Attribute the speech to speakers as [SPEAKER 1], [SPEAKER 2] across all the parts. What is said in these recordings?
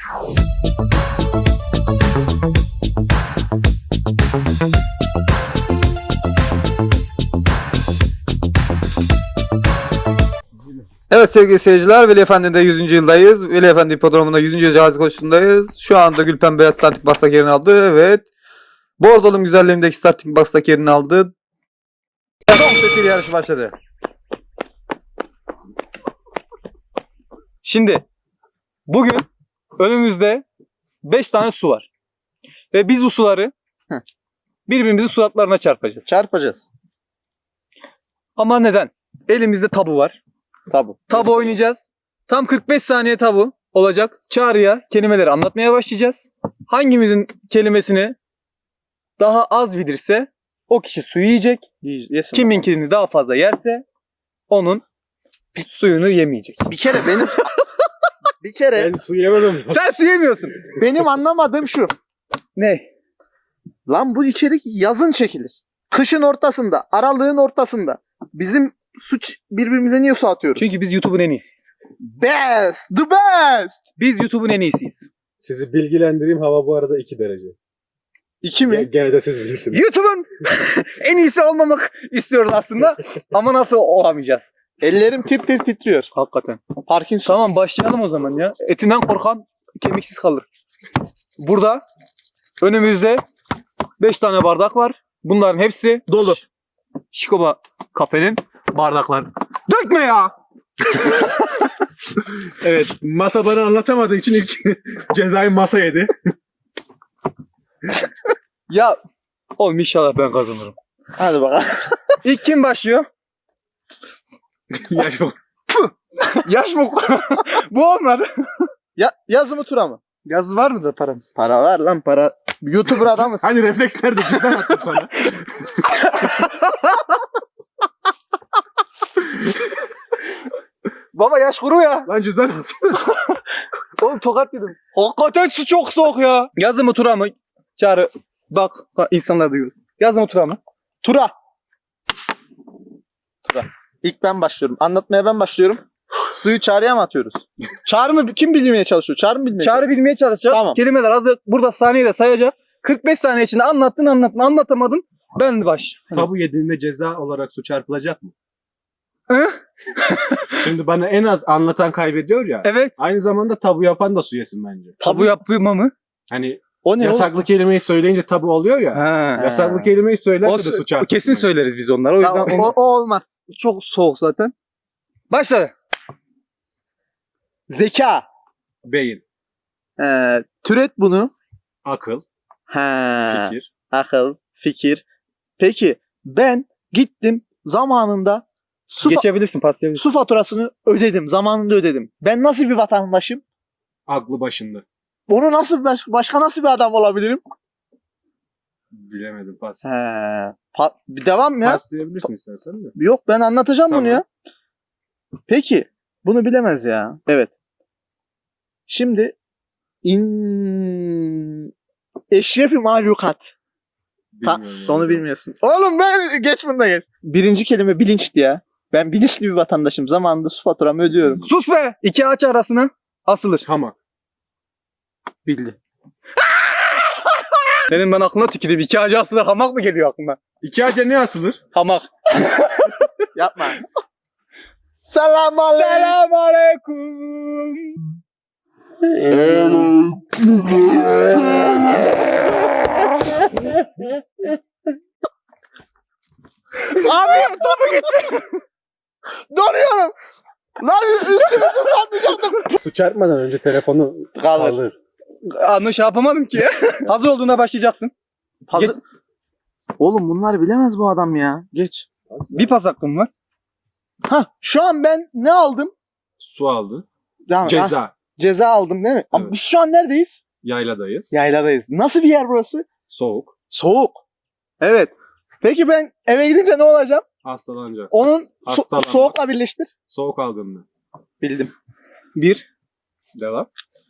[SPEAKER 1] Evet sevgili seyirciler, Veli Efendi'de 100. yıldayız. Veli Efendi Hipodromu'nda 100. Cazi koşusundayız. Şu anda Gülpen Beyaz starting box'taki yerini aldı. Evet. Bordolum güzelliğindeki starting box'taki yerini aldı. Dom sesiyle yarış başladı.
[SPEAKER 2] Şimdi bugün önümüzde 5 tane su var. Ve biz bu suları birbirimizin suratlarına çarpacağız.
[SPEAKER 1] Çarpacağız.
[SPEAKER 2] Ama neden? Elimizde tabu var. Tabu oynayacağız. Tam 45 saniye tabu olacak. Çağrı'ya kelimeleri anlatmaya başlayacağız. Hangimizin kelimesini daha az bilirse o kişi suyu yiyecek. Kiminkini daha fazla yerse onun suyunu yemeyecek.
[SPEAKER 1] Bir kere benim... bir kere...
[SPEAKER 3] Ben su yemedim.
[SPEAKER 2] Sen su yemiyorsun.
[SPEAKER 1] Benim anlamadığım şu.
[SPEAKER 2] Ne?
[SPEAKER 1] Lan bu içerik yazın çekilir. Kışın ortasında, aralığın ortasında. Bizim birbirimize niye su atıyoruz?
[SPEAKER 2] Çünkü biz YouTube'un en iyisiyiz.
[SPEAKER 1] Best! The best!
[SPEAKER 2] Biz YouTube'un en iyisiyiz.
[SPEAKER 3] Sizi bilgilendireyim, hava bu arada 2 derece.
[SPEAKER 1] 2 mi?
[SPEAKER 3] Gene de siz bilirsiniz.
[SPEAKER 2] YouTube'un en iyisi olmamak istiyoruz aslında. Ama nasıl olamayacağız?
[SPEAKER 1] Ellerim tir tir titriyor.
[SPEAKER 2] Hakikaten.
[SPEAKER 1] Parkinson.
[SPEAKER 2] Tamam başlayalım o zaman ya. Etinden korkan kemiksiz kalır. Burada önümüzde 5 tane bardak var. Bunların hepsi dolu. Şikoba kafenin bardakları. Dökme ya!
[SPEAKER 3] Evet, masa bana anlatamadığı için ilk cezayı masa yedi.
[SPEAKER 2] Ya oğlum inşallah ben kazanırım.
[SPEAKER 1] Hadi bakalım.
[SPEAKER 2] İlk kim başlıyor?
[SPEAKER 3] Yaş bak.
[SPEAKER 2] Yaş mı? Bu olmadı.
[SPEAKER 1] Yazı mı tura mı?
[SPEAKER 2] Yaz var mı da paramız?
[SPEAKER 1] Para var lan para. YouTuber adamız.
[SPEAKER 3] Hani refleks nerede? Cidden attım sana.
[SPEAKER 2] Baba yaş kuru ya.
[SPEAKER 3] Lan cüzdan alsana.
[SPEAKER 2] Oğlum tokat yedim. Hakikaten su çok soğuk ya. Yazı mı tura mı? Çağrı bak insanlar duyuyor. Yazı mı tura mı?
[SPEAKER 1] Tura. İlk ben başlıyorum. Anlatmaya ben başlıyorum. Suyu Çağrı'ya mı atıyoruz? Çağrı mı? Kim bilmeye çalışıyor? Çağrı mı bilmeye
[SPEAKER 2] Çağrı bilmeye çalışacak.
[SPEAKER 1] Tamam.
[SPEAKER 2] Kelimeler hazır. Burada saniye de sayacak. 45 saniye içinde anlatamadın. Ben de baş.
[SPEAKER 3] Tabu yediğinde ceza olarak su çarpılacak mı?
[SPEAKER 2] Hı?
[SPEAKER 3] Şimdi bana en az anlatan kaybediyor ya.
[SPEAKER 2] Evet.
[SPEAKER 3] Aynı zamanda tabu yapan da su yesin bence.
[SPEAKER 2] Tabu yapma mı?
[SPEAKER 3] Hani
[SPEAKER 1] O ne
[SPEAKER 3] yasaklı kelimeyi söyleyince tabu oluyor ya.
[SPEAKER 2] Ha.
[SPEAKER 3] Yasaklı kelimeyi söylerse de su çarpılır.
[SPEAKER 2] Kesin söyleriz biz onlara. O yüzden
[SPEAKER 1] Tamam, o olmaz.
[SPEAKER 2] çok soğuk zaten. Başladı.
[SPEAKER 1] Zeka.
[SPEAKER 3] Beyin,
[SPEAKER 1] Türet bunu.
[SPEAKER 3] akıl, fikir.
[SPEAKER 1] Akıl, fikir. Peki ben gittim zamanında
[SPEAKER 2] Geçebilirsin, paslayabilirsin.
[SPEAKER 1] su faturasını ödedim. Zamanında ödedim. Ben nasıl bir vatandaşım?
[SPEAKER 3] Aklı başında.
[SPEAKER 1] Onu nasıl başka nasıl bir adam olabilirim?
[SPEAKER 3] Bilemedim, pas.
[SPEAKER 1] Devam ya.
[SPEAKER 3] Pas diyebilirsin istersen de.
[SPEAKER 1] Yok ben anlatacağım
[SPEAKER 3] Tamam.
[SPEAKER 1] bunu ya. Peki bunu bilemez ya. Evet. Şimdi eşrefi mahlukat.
[SPEAKER 3] Bilmiyorum yani.
[SPEAKER 1] Onu bilmiyorsun. Oğlum ben geç bunu da geç. Birinci kelime bilinçti ya. Ben bilinçli bir vatandaşım. Zamanında su faturamı ödüyorum.
[SPEAKER 2] Sus be! İki ağaç arasına asılır.
[SPEAKER 3] Hamak.
[SPEAKER 1] Bildi.
[SPEAKER 2] Senin ben aklına tüküreyim. İki ağaç asılır. Hamak mı geliyor aklına?
[SPEAKER 3] 2 ağaca ne asılır?
[SPEAKER 2] Hamak.
[SPEAKER 1] Yapma. Selam aleyküm.
[SPEAKER 2] Selam aleyküm.
[SPEAKER 1] Abi tabii gitti. Donuyorum. Lan üstümüzü ıslatmayacaktım.
[SPEAKER 3] Su çarpmadan önce telefonu kaldır.
[SPEAKER 2] Şey yapamadım ki. Hazır olduğunda başlayacaksın.
[SPEAKER 1] Hazır. Oğlum bunları bilemez bu adam ya. Geç.
[SPEAKER 2] Bir pas hakkım var.
[SPEAKER 1] Şu an ben ne aldım?
[SPEAKER 3] Su aldı.
[SPEAKER 1] Tamam,
[SPEAKER 3] Ceza.
[SPEAKER 1] Ceza aldım değil mi? Ama
[SPEAKER 3] Evet.
[SPEAKER 1] biz şu an neredeyiz?
[SPEAKER 3] Yayladayız.
[SPEAKER 1] Yayladayız. Nasıl bir yer burası?
[SPEAKER 3] Soğuk.
[SPEAKER 1] Soğuk. Evet. Peki ben eve gidince ne olacağım?
[SPEAKER 3] Hastalanacak.
[SPEAKER 1] Onun
[SPEAKER 3] Hastalanma.
[SPEAKER 1] soğukla birleştir.
[SPEAKER 3] Soğuk algınlığı.
[SPEAKER 1] Bildim.
[SPEAKER 2] Bir.
[SPEAKER 3] Devam.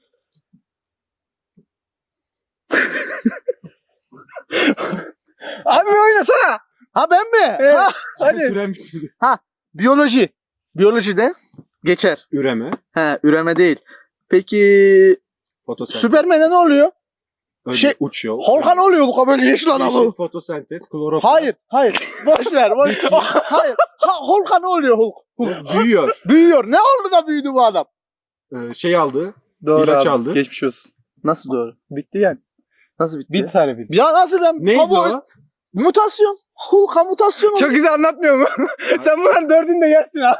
[SPEAKER 1] Abi oynasana. Ha ben mi?
[SPEAKER 2] Evet.
[SPEAKER 1] Ha,
[SPEAKER 3] Hadi.
[SPEAKER 1] hadi.
[SPEAKER 3] Süren bitirdi.
[SPEAKER 1] Biyoloji. Biyolojide geçer.
[SPEAKER 3] Üreme.
[SPEAKER 1] Üreme değil. Peki
[SPEAKER 3] Fotosentez.
[SPEAKER 4] Süpermen'e ne oluyor?
[SPEAKER 3] Öyle
[SPEAKER 4] şey-
[SPEAKER 3] uçuyor.
[SPEAKER 4] Hulk'a ne oluyor? Hulk'a böyle yeşil adamı.
[SPEAKER 3] Yeşil fotosentez, kloroplast.
[SPEAKER 4] Hayır. Boş ver. Hayır. Hulk'a ne oluyor Hulk?
[SPEAKER 3] Hulk büyüyor.
[SPEAKER 4] Büyüyor. Ne oldu da büyüdü bu adam?
[SPEAKER 3] Şey aldı.
[SPEAKER 2] Doğru
[SPEAKER 3] İlaç
[SPEAKER 2] abi.
[SPEAKER 3] aldı.
[SPEAKER 2] Geçmiş olsun.
[SPEAKER 4] Nasıl doğru?
[SPEAKER 2] Bitti yani.
[SPEAKER 4] Nasıl bitti?
[SPEAKER 2] Bir tane bildi.
[SPEAKER 4] Ya nasıl ben?
[SPEAKER 3] Neydi
[SPEAKER 4] Tabu-
[SPEAKER 3] o?
[SPEAKER 4] Mutasyon. Hulk'a mutasyon
[SPEAKER 2] Çok güzel anlatmıyor mu? Sen bunların dördünü de yersin ha.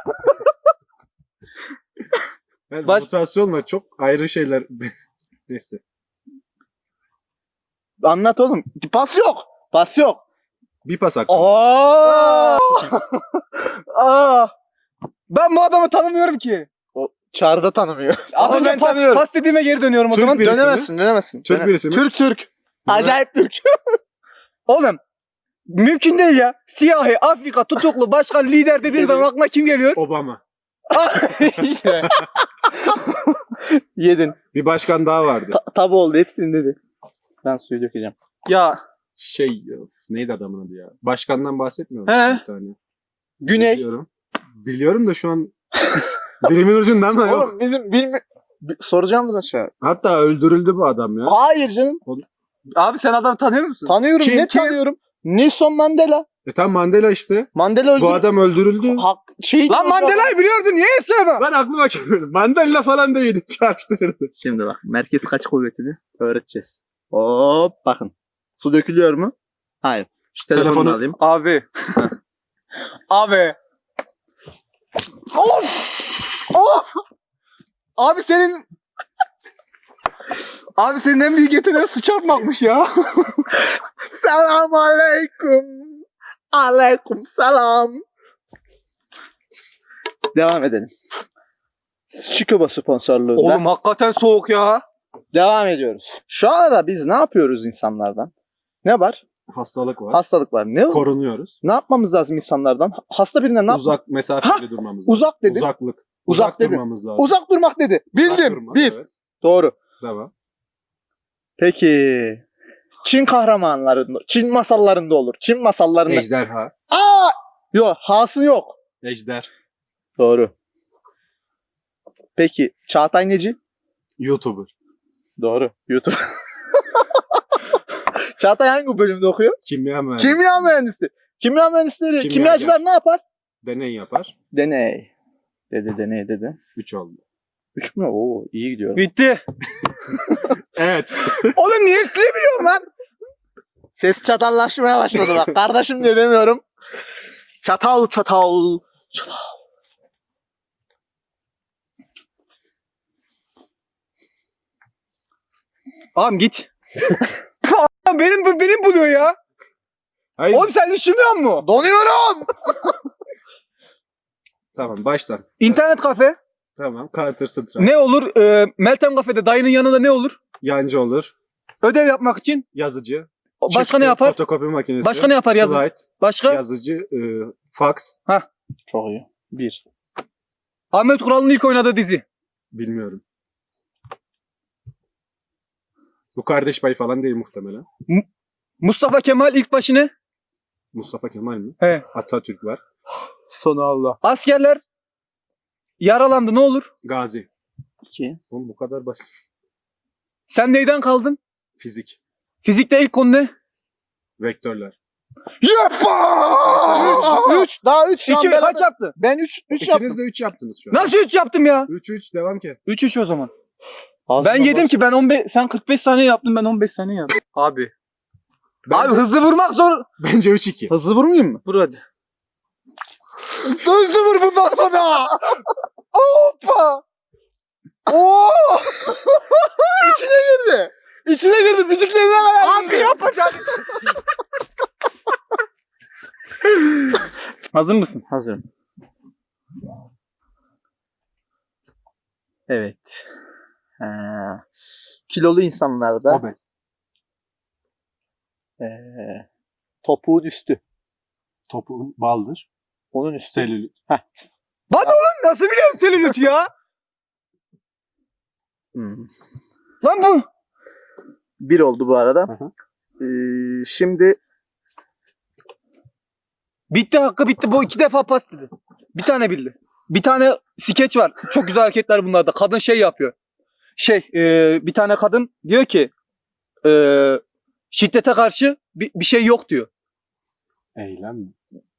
[SPEAKER 3] Yani
[SPEAKER 2] Baş-
[SPEAKER 3] mutasyonla çok ayrı şeyler. Neyse.
[SPEAKER 4] Anlat oğlum. Pas yok.
[SPEAKER 3] Bir pas hakkı.
[SPEAKER 4] Aa!
[SPEAKER 2] Aa. Ben bu adamı tanımıyorum ki.
[SPEAKER 4] Çağrı'da tanımıyor.
[SPEAKER 2] Az
[SPEAKER 4] Ama
[SPEAKER 2] önce
[SPEAKER 4] ben
[SPEAKER 2] pas,
[SPEAKER 4] tanıyorum.
[SPEAKER 2] pas dediğime geri dönüyorum o
[SPEAKER 3] Türk
[SPEAKER 2] zaman.
[SPEAKER 3] birisi mi?
[SPEAKER 4] Dönemezsin.
[SPEAKER 3] Türk birisi mi?
[SPEAKER 4] Türk. Acayip Türk.
[SPEAKER 2] Oğlum mümkün değil ya. Siyahi, Afrika, tutuklu, başkan, lider dediğin zaman aklına kim geliyor?
[SPEAKER 3] Obama.
[SPEAKER 2] İşte.
[SPEAKER 4] Yedin.
[SPEAKER 3] Bir başkan daha vardı.
[SPEAKER 4] Tabu oldu. Hepsini dedi. Ben suyu dökeceğim.
[SPEAKER 2] Ya
[SPEAKER 3] Neydi adamın adı ya? Başkandan bahsetmiyor
[SPEAKER 2] He.
[SPEAKER 3] musun bir tane?
[SPEAKER 4] Güney.
[SPEAKER 3] Biliyorum da şu an dilimin ucundan da yok.
[SPEAKER 4] Oğlum bizim soracağımız aşağı.
[SPEAKER 3] Hatta öldürüldü bu adam ya.
[SPEAKER 4] Hayır canım.
[SPEAKER 2] abi sen adamı tanıyor musun?
[SPEAKER 4] Tanıyorum.
[SPEAKER 3] Kim?
[SPEAKER 4] Tanıyorum? Nelson Mandela.
[SPEAKER 3] Tam Mandela işte.
[SPEAKER 4] Mandela öldü.
[SPEAKER 3] Bu adam öldürüldü.
[SPEAKER 4] Lan
[SPEAKER 2] Mandela'yı biliyordun niye söyleme?
[SPEAKER 3] Ben aklıma gelmedi. Mandela falan değildi. Çağrıştırırdı.
[SPEAKER 4] Şimdi bak merkez kaç kuvvetini öğreteceğiz. Hop bakın. Su dökülüyor mu? Hayır. Şu telefonu
[SPEAKER 3] Telefonu-
[SPEAKER 4] alayım.
[SPEAKER 2] Abi. Abi. Of! Abi senin en büyük yeteneğin su çarpmakmış ya.
[SPEAKER 4] Selam aleyküm. Aleyküm selam. Devam edelim. Çikoba sponsorluğunda.
[SPEAKER 2] Oğlum hakikaten soğuk ya.
[SPEAKER 4] Devam ediyoruz. Şu ara biz ne yapıyoruz insanlardan? Ne var?
[SPEAKER 3] Hastalık var.
[SPEAKER 4] Hastalık var.
[SPEAKER 3] Korunuyoruz.
[SPEAKER 4] Ne yapmamız lazım insanlardan? Hasta birinden ne yap?
[SPEAKER 3] Uzak mesafeli durmamız lazım.
[SPEAKER 4] Uzak dedin.
[SPEAKER 3] Uzaklık.
[SPEAKER 4] Uzak dedin.
[SPEAKER 3] durmamız lazım.
[SPEAKER 4] Uzak durmak dedi.
[SPEAKER 3] Uzak
[SPEAKER 4] Bildim.
[SPEAKER 3] durmak,
[SPEAKER 4] Bir.
[SPEAKER 3] evet.
[SPEAKER 4] Doğru.
[SPEAKER 3] Tamam.
[SPEAKER 4] Peki. Çin kahramanlarında, Çin masallarında olur. Çin masallarında.
[SPEAKER 3] Ejderha.
[SPEAKER 4] Aa! Yok, hası yok.
[SPEAKER 3] Ejder.
[SPEAKER 4] Doğru. Peki, Çağatay Neci?
[SPEAKER 3] YouTuber.
[SPEAKER 4] Doğru. YouTube. Çağatay hangi bölümde okuyor?
[SPEAKER 3] Kimya mühendisi.
[SPEAKER 4] Kimya mühendisi. Kimya mühendisleri,
[SPEAKER 3] Kimyager.
[SPEAKER 4] kimyacılar ne yapar?
[SPEAKER 3] Deney yapar.
[SPEAKER 4] Deney. Deney dedi.
[SPEAKER 3] 3 oldu.
[SPEAKER 4] 3 mü? Oo, iyi gidiyor.
[SPEAKER 2] Bitti.
[SPEAKER 3] Evet.
[SPEAKER 2] Oğlum niye hepsini biliyorsun lan?
[SPEAKER 4] Ses çatallaşmaya başladı bak. Kardeşim diye demiyorum. Çatal.
[SPEAKER 2] Ağam git. benim buluyor ya.
[SPEAKER 3] Hayır.
[SPEAKER 2] Oğlum sen düşünmüyor musun?
[SPEAKER 4] Donuyorum.
[SPEAKER 3] Tamam baştan.
[SPEAKER 2] İnternet kafe.
[SPEAKER 3] Tamam. Counter Strike.
[SPEAKER 2] Ne olur? Meltem kafede dayının yanında ne olur?
[SPEAKER 3] Yancı olur.
[SPEAKER 2] Ödev yapmak için.
[SPEAKER 3] Yazıcı.
[SPEAKER 2] Başka
[SPEAKER 3] Çıktı,
[SPEAKER 2] ne yapar?
[SPEAKER 3] Fotokopi makinesi.
[SPEAKER 2] Başka ne yapar yazıcı?
[SPEAKER 3] Slide.
[SPEAKER 2] Başka?
[SPEAKER 3] Yazıcı. Fax.
[SPEAKER 4] Çok iyi. 1.
[SPEAKER 2] Ahmet Kural'ın ilk oynadığı dizi.
[SPEAKER 3] Bilmiyorum. Bu Kardeş Payı falan değil muhtemelen.
[SPEAKER 2] Mustafa Kemal ilk başı ne?
[SPEAKER 3] Mustafa Kemal mi?
[SPEAKER 2] He.
[SPEAKER 3] Atatürk var.
[SPEAKER 4] Sonu Allah.
[SPEAKER 2] Askerler yaralandı ne olur?
[SPEAKER 3] Gazi.
[SPEAKER 4] 2.
[SPEAKER 3] Oğlum bu kadar basit.
[SPEAKER 2] Sen neyden kaldın?
[SPEAKER 3] Fizik.
[SPEAKER 2] Fizikte ilk konu ne?
[SPEAKER 3] Vektörler.
[SPEAKER 4] Yapma! 3. Daha 3.
[SPEAKER 2] İki, kaç yaptı?
[SPEAKER 4] Ben 3 yaptım.
[SPEAKER 3] İkiniz de 3 yaptınız şu an.
[SPEAKER 2] Nasıl 3 yaptım ya?
[SPEAKER 3] 3-3 devam ki.
[SPEAKER 2] 3-3 o zaman. Ben yedim ki ben 15 sen 45 saniye yaptın ben 15 saniye yaptım. Abi. Abi hızlı vurmak zor.
[SPEAKER 3] Bence 3-2.
[SPEAKER 4] Hızlı vurmayayım mı?
[SPEAKER 2] Vur hadi.
[SPEAKER 4] Hızlı vur bundan sonra. Hoppa. Oo! İçine girdi. İçine girdi. Müziklerine kadar.
[SPEAKER 2] Abi yapacağım. Hazır mısın?
[SPEAKER 4] Hazırım. Evet. Kilolu insanlarda
[SPEAKER 3] Obez.
[SPEAKER 4] topuğun üstü.
[SPEAKER 3] Topuğun baldır.
[SPEAKER 4] Onun üstü.
[SPEAKER 3] Selülit.
[SPEAKER 4] Heh.
[SPEAKER 2] Lan oğlum nasıl biliyorsun selülit ya?
[SPEAKER 4] Hmm.
[SPEAKER 2] Lan bu.
[SPEAKER 4] 1 oldu bu arada.
[SPEAKER 3] Hı hı.
[SPEAKER 4] Şimdi
[SPEAKER 2] Bitti hakkı bitti. Bu 2 defa pas dedi. Bir tane bildi. Bir tane skeç var. Çok güzel hareketler bunlarda. Kadın şey yapıyor. Bir tane kadın diyor ki şiddete karşı bir şey yok diyor.
[SPEAKER 3] Eylem mi?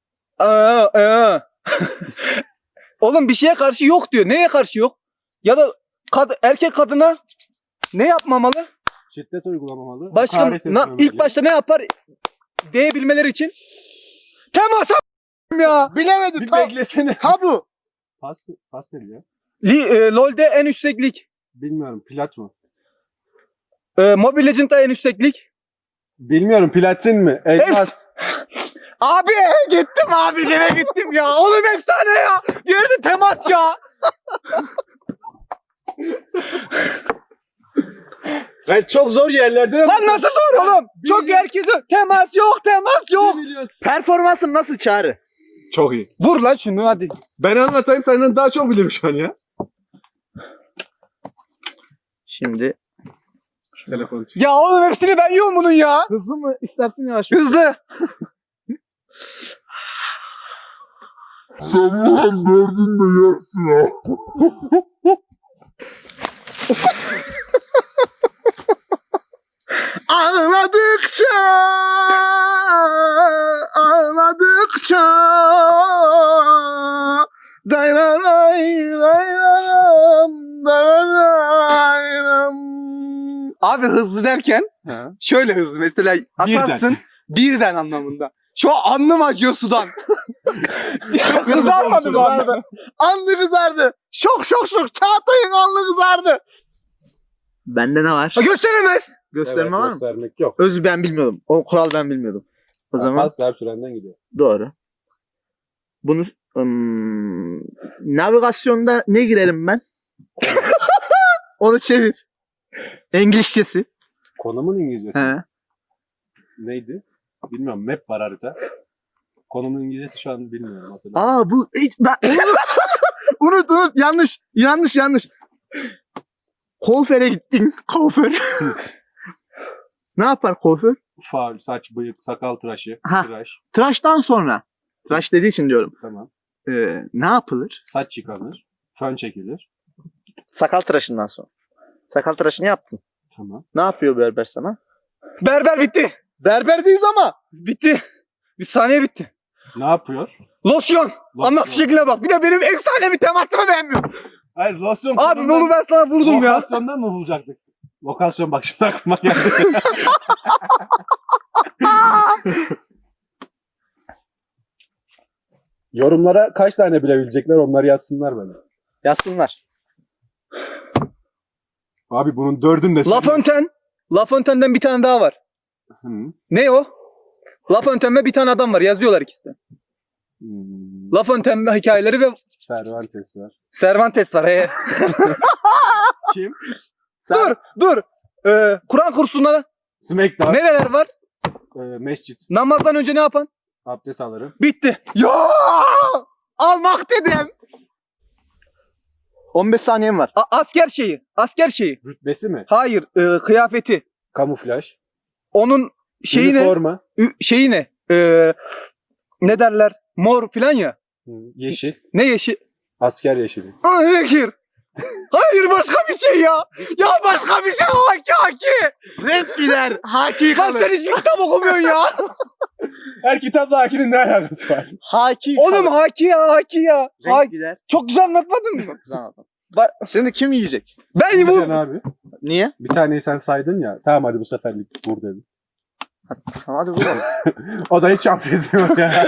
[SPEAKER 2] Oğlum bir şeye karşı yok diyor. Neye karşı yok? Ya da erkek kadına ne yapmamalı?
[SPEAKER 3] Şiddet uygulamamalı.
[SPEAKER 2] Başka
[SPEAKER 3] hakaret etmemeli.
[SPEAKER 2] ilk başta ne yapar? Diyebilmeleri için temasa ya.
[SPEAKER 4] Bilemedi.
[SPEAKER 3] Bir beklesene.
[SPEAKER 4] Tabu.
[SPEAKER 3] Pas ya.
[SPEAKER 2] LoL'de en yüksek lig.
[SPEAKER 3] Bilmiyorum. Plat mı?
[SPEAKER 2] Mobile Legends'da en yüksek lig.
[SPEAKER 3] Bilmiyorum. Platin mi? Elmas.
[SPEAKER 2] Abi gittim abi yine gittim ya. Oğlum efsane ya. Diğeri de temas ya.
[SPEAKER 3] Ben çok zor yerlerde.
[SPEAKER 2] Lan nasıl zor oğlum? Çok herkes temas yok.
[SPEAKER 4] Performansım nasıl Çağrı?
[SPEAKER 3] Çok iyi.
[SPEAKER 2] Vur lan şunu hadi.
[SPEAKER 3] Ben anlatayım, senden daha çok bilirim şu an ya.
[SPEAKER 4] Şimdi
[SPEAKER 3] Telefon.
[SPEAKER 2] Ya oğlum hepsini ben yiyorum bunun ya.
[SPEAKER 4] hızlı mı istersin yavaş mı?
[SPEAKER 2] Hızlı.
[SPEAKER 5] Sabahın dördünde yersin ya.
[SPEAKER 4] Ağladıkça
[SPEAKER 2] Abi hızlı derken şöyle hızlı mesela atarsın birden anlamında. Şu an alnım acıyor sudan. Kızarmadı mı alnı?
[SPEAKER 4] Alnı kızardı. Şok. Çağatay'ın alnı kızardı. Bende ne var?
[SPEAKER 2] Ha, gösteremez.
[SPEAKER 4] Gösterme var mı?
[SPEAKER 3] Göstermek yok.
[SPEAKER 4] Özü ben bilmiyordum. O kural ben bilmiyordum. O zaman
[SPEAKER 3] Pas her sürenden gidiyor.
[SPEAKER 4] doğru. Bunu navigasyonda ne girerim ben? Onu çevir. İngilizcesi.
[SPEAKER 3] Konumun İngilizcesi.
[SPEAKER 4] He.
[SPEAKER 3] Neydi? Bilmiyorum. Map var harita. Konumun İngilizcesi şu an bilmiyorum. Hatırlamıyorum.
[SPEAKER 4] Bu ben unut yanlış. Kuaföre gittin. Kuaför. Ne yapar kuaför?
[SPEAKER 3] Faul, saç, bıyık, sakal tıraşı,
[SPEAKER 4] Ha.
[SPEAKER 3] tıraş.
[SPEAKER 4] Tıraştan sonra. Tıraş dediği için diyorum.
[SPEAKER 3] Tamam.
[SPEAKER 4] Ne yapılır?
[SPEAKER 3] Saç yıkanır. Fön çekilir.
[SPEAKER 4] Sakal tıraşından sonra. Sakal tıraşını yaptın.
[SPEAKER 3] Tamam.
[SPEAKER 4] Ne yapıyor berber sana?
[SPEAKER 2] Berber bitti.
[SPEAKER 4] Berberdeyiz ama.
[SPEAKER 2] Bitti. Bir saniye bitti.
[SPEAKER 3] Ne yapıyor?
[SPEAKER 2] Losyon. Anlat
[SPEAKER 3] Losyon.
[SPEAKER 2] şekline bak. Bir de benim efsane bir temasımı beğenmiyorum.
[SPEAKER 3] Hayır, losyon.
[SPEAKER 2] Abi onu ben sana vurdum ya.
[SPEAKER 3] Lokasyondan mı bulacaktık? Lokasyon bak şimdi aklıma geldi. Yorumlara kaç tane bilebilecekler onları yazsınlar bana.
[SPEAKER 4] Yazsınlar.
[SPEAKER 3] Abi bunun dördünü de
[SPEAKER 2] La Fontaine. La Fontaine'den bir tane daha var.
[SPEAKER 3] Hı.
[SPEAKER 2] Ne o? La Fontaine ve bir tane adam var. Yazıyorlar ikisi de. La Fontaine hikayeleri ve
[SPEAKER 3] Cervantes var.
[SPEAKER 2] Cervantes var.
[SPEAKER 3] Kim?
[SPEAKER 2] Dur. Kur'an kursunda
[SPEAKER 3] Smackdown.
[SPEAKER 2] nereler var?
[SPEAKER 3] Mescit.
[SPEAKER 2] Namazdan önce ne yapan?
[SPEAKER 3] Abdest alırım.
[SPEAKER 2] Bitti. Ya! Almak dedim.
[SPEAKER 4] 15 saniyem var.
[SPEAKER 2] Asker şeyi.
[SPEAKER 3] Rütbesi mi?
[SPEAKER 2] Hayır, kıyafeti.
[SPEAKER 3] Kamuflaj.
[SPEAKER 2] Onun şeyi ne?
[SPEAKER 3] Üniforma.
[SPEAKER 2] Şeyi ne? Ne derler? Mor filan ya.
[SPEAKER 3] Hı. Yeşil.
[SPEAKER 2] Ne yeşil?
[SPEAKER 3] Asker yeşili.
[SPEAKER 2] Yeşil. Hayır başka bir şey ya. Ya başka bir şey haki.
[SPEAKER 4] Renk gider. Haki
[SPEAKER 2] Lan sen hiç kitap okumuyorsun ya.
[SPEAKER 3] Her kitapla Haki'nin ne alakası var?
[SPEAKER 4] Haki
[SPEAKER 2] Oğlum haki ya.
[SPEAKER 4] renk gider.
[SPEAKER 2] Çok güzel anlatmadın mı?
[SPEAKER 4] Güzel anladım. Şimdi kim yiyecek?
[SPEAKER 2] Ben bu
[SPEAKER 3] Sen abi.
[SPEAKER 4] Niye?
[SPEAKER 3] Bir taneyi sen saydın ya. Tamam hadi bu seferlik vur dedim.
[SPEAKER 4] Hadi vuralım.
[SPEAKER 3] O da hiç affetmiyor ya.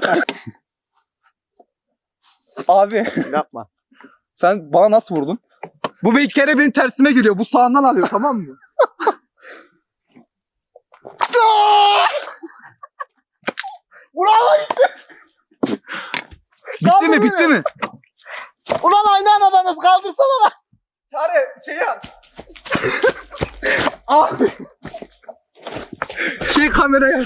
[SPEAKER 2] abi
[SPEAKER 4] Yapma.
[SPEAKER 2] sen bana nasıl vurdun? Bu bir kere benim tersime geliyor. Bu sağından alıyor tamam mı? Bitti mi?
[SPEAKER 4] Ulan aynı anda nasıl kaldırsana lan.
[SPEAKER 2] Çare şey yap. Abi. Kameraya.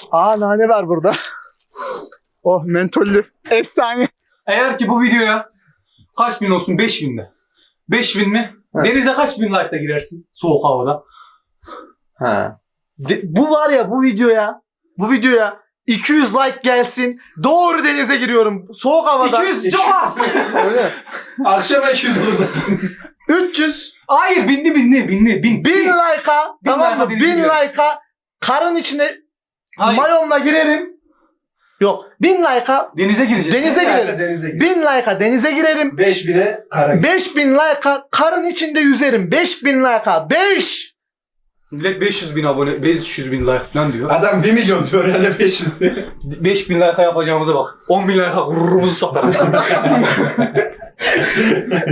[SPEAKER 4] Aa nane var burada. Oh mentollü. Efsane.
[SPEAKER 2] Eğer ki bu videoya kaç bin olsun? 5000 mi? 5000 mi?
[SPEAKER 4] Evet.
[SPEAKER 2] Denize kaç bin like'da girersin? Soğuk havada.
[SPEAKER 4] Bu var ya bu videoya 200 like gelsin. Doğru denize giriyorum. Soğuk havada.
[SPEAKER 2] 200 çok az.
[SPEAKER 4] Öyle.
[SPEAKER 6] Akşama 200 olur zaten.
[SPEAKER 4] 300.
[SPEAKER 2] Hayır bin.
[SPEAKER 4] 1000 like'a. Tamam mı?
[SPEAKER 2] like'a
[SPEAKER 4] 1000
[SPEAKER 2] denize girerim.
[SPEAKER 4] like'a karın içine
[SPEAKER 2] Hayır.
[SPEAKER 4] mayomla girerim. Yok. 1000 like'a
[SPEAKER 2] Denize gireceğiz.
[SPEAKER 4] denize girerim.
[SPEAKER 6] Denize gir.
[SPEAKER 4] 1000 like'a denize girerim.
[SPEAKER 6] 5000'e kara gir.
[SPEAKER 4] 5000 like'a karın içinde yüzerim. 5000 like'a 5.
[SPEAKER 2] Millet 500 bin abone, 500 bin like falan diyor.
[SPEAKER 6] Adam 1 milyon diyor herhalde 500.
[SPEAKER 2] 5000 like'a yapacağımıza bak. 10 bin like'a gururumuzu satarız.